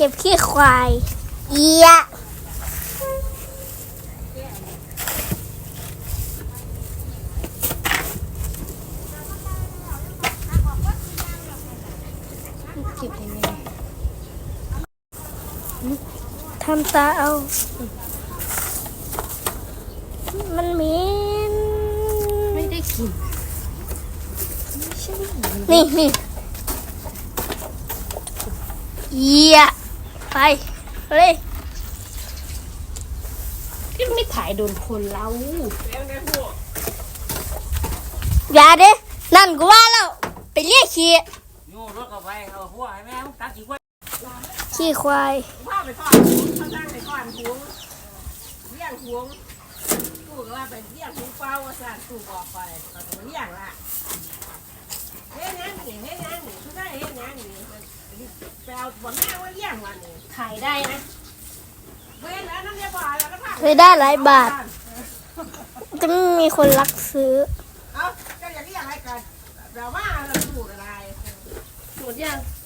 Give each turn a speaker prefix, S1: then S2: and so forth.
S1: ก็บขี้ควายเอียเก็บยังไงทำตาเอามันเหม็น
S2: ไม่ได้กิน
S1: นี่เอียไปเลย
S2: ก็ไม่ถ่ายโดนคนเรา
S1: อย่าเด้นั่นกูว่าแล้วไปเรียกขี้
S3: ยูรถกับไปเอาหัวให้แม่ตัดขี้ควาย
S1: ขี้ควาย
S4: พ่อไปทอดเขาตั้งไปทอดหวงเลี้ยงหวงตู้ก็ว่าไปเลี้ยงหวงเป้าว่าสั่นตู้บอกไปตอนนี้เลี้ยงละเฮ้ยนั่นนี่เขาได้เฮ้ยนั่นนี่แปลบนหน้าว่าเลี้ยงวันนี้
S2: ถ่ายได้นะ
S4: เว้ยแล้วน้ำเลี้ยงบ่อแล้วก็ผัก
S1: เคยได้หลายบาทจะไม่มีคนรักซื้อ
S4: เอ้าก็อย่างนี้อย่างไรกันเราว่าเราสูตรอะไร
S2: หมดยัง